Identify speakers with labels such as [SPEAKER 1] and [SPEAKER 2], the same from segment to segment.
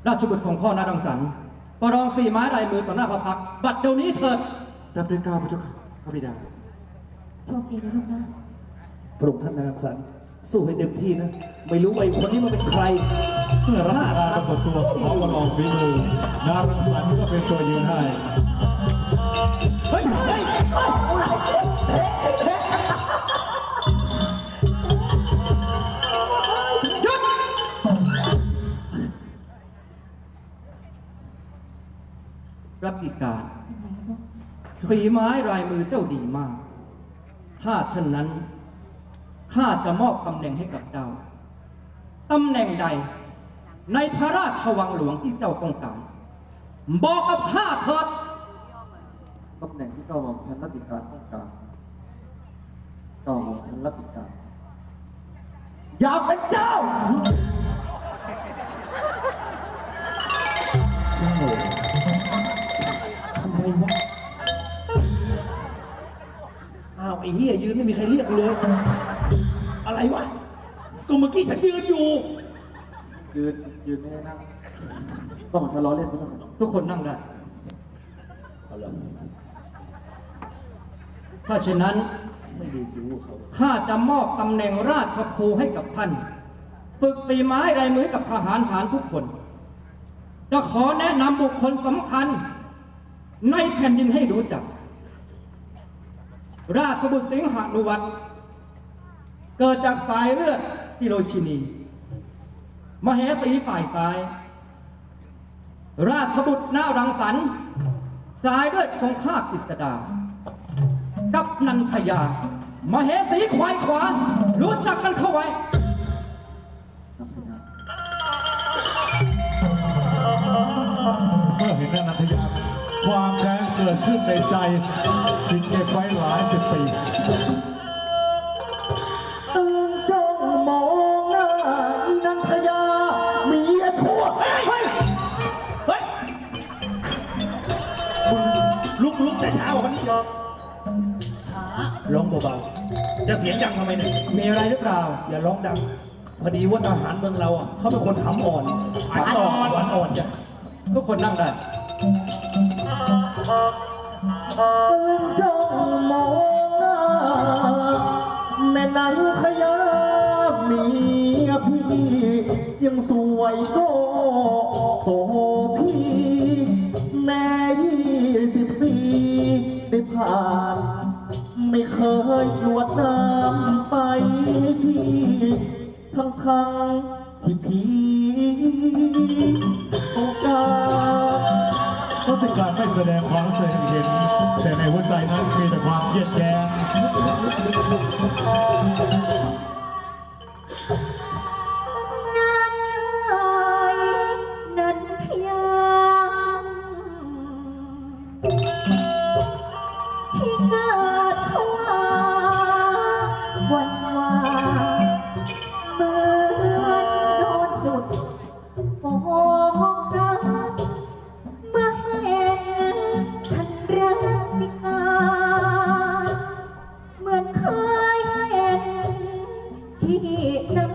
[SPEAKER 1] ราชบุตรของพ่อนาดังสรรประลองฝีไม้ลายมือต่อหน้าพระพักตร์บัดเดี๋ยวนี้เถิด
[SPEAKER 2] รับด้วยเกล้าพระเจ้าค่ะพระบิดา
[SPEAKER 3] โชคดีนะลูกนะ
[SPEAKER 2] พระองค์ท่านนางสันสู้ให้เต็มที่นะไม่รู้ไอ้คนนี้มันเป็นใคร
[SPEAKER 4] เมื่อรับการปรากฏตัวของประลองฝีมือนารังสรรค์ก็เป็นตัวยืนให้
[SPEAKER 1] เฮ้ยหยุดรับอีกการฝีไม้ลายมือเจ้าดีมากถ้าเช่นนั้นข้าจะมอบตำแหน่งให้กับเจ้าตำแหน่งใดในพระราชวังหลวงที่เจ้าต้องการบอกกับข้าเถิด
[SPEAKER 5] ตำแหน่งที่เก้าหม่อมพันรัตติการต้องการเก้าหม่อมพันรัตติการ
[SPEAKER 2] อยากเป็นเจ้าเจ้าทำไมวะอ้าวไอ้เหี้ยยืนไม่มีใครเรียกกูเลยอะไรวะก็เมื่อกี้ฉันยืนอยู่
[SPEAKER 5] ยืนไม่ได้นั่งต้องทะเลาะเล่นไม่ต้อง
[SPEAKER 1] ทุกคนนั่งได้ถ้าเช่นนั้น
[SPEAKER 2] ไม่ดีคิวเขา
[SPEAKER 1] ข้าจะมอบตำแหน่งราชครูให้กับท่านฝึกฝีไม้ลายมือกับทหารหารทุกคนจะขอแนะนำบุคคลสำคัญในแผ่นดินให้รู้จักราชบุตรสิงหานุวัตรเกิดจากสายเลือดฮิโรชินีมเหสีฝ่ายซ้ายราชบุตรนารังสรรค์สายเลือดของข้ากฤษดากับนันทยามเหสีควายขวารู้จักกันเข้าไว้
[SPEAKER 4] เมื่อเห็นนันทยาความแค้นเกิดขึ้นในใจจึงเก็บไว้หลายสิบปี
[SPEAKER 2] ตื่นจ้องมองหน้าอีนันทยาเมียชั่วเฮ้ยคุณลุกแต่เช้าคนนี้ร้องเบาๆจะเสียงดังทำไมเนี่ย
[SPEAKER 1] มีอะไรหรือเปล่า
[SPEAKER 2] อย่าร้องดังพอดีว่าทหารเมืองเราอ่ะเขาเป็นคนหำอ่อนหวานอ่อนจ้ะ
[SPEAKER 1] ทุกคนนั่งได้
[SPEAKER 2] ตื่นจ้องมองหน้าแม่นันทยาเมียพี่ยังสวยโตโสพี่แม่20 ปีได้ผ่านไม่เคยกรวดน้ำไปให้พี่ทั้งที่พี่ต้องการ
[SPEAKER 4] รัติการไม่แสดงความเสียเห็นแต่ในหัวใจนั้นมีแต่ความเครียดแค้น
[SPEAKER 3] นันทยาที่เกิดภาวะวันวานเหมือนโดนจุดโอ้กันเมื่อเห็นท่านรัติการเหมือนเคยเห็นที่ไหน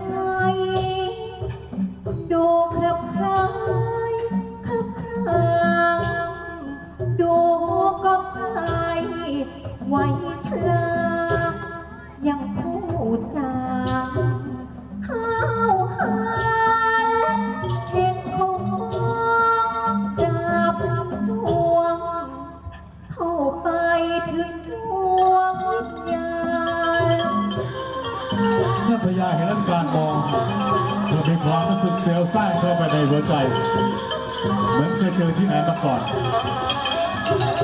[SPEAKER 3] ดูครับคล้ายครับครางดูก็คล้ายไว้ชรายังคู่จางห้าวหาญเห็นเขามองดาบจวงเข้าไปถึงดวงวิญญาณ
[SPEAKER 4] นันทยาเห็นการมองเธอมีความรู้สึกเสียวซ่านเข้าไปในหัวใจเหมือนเคยเจอที่ไหนมาก่อน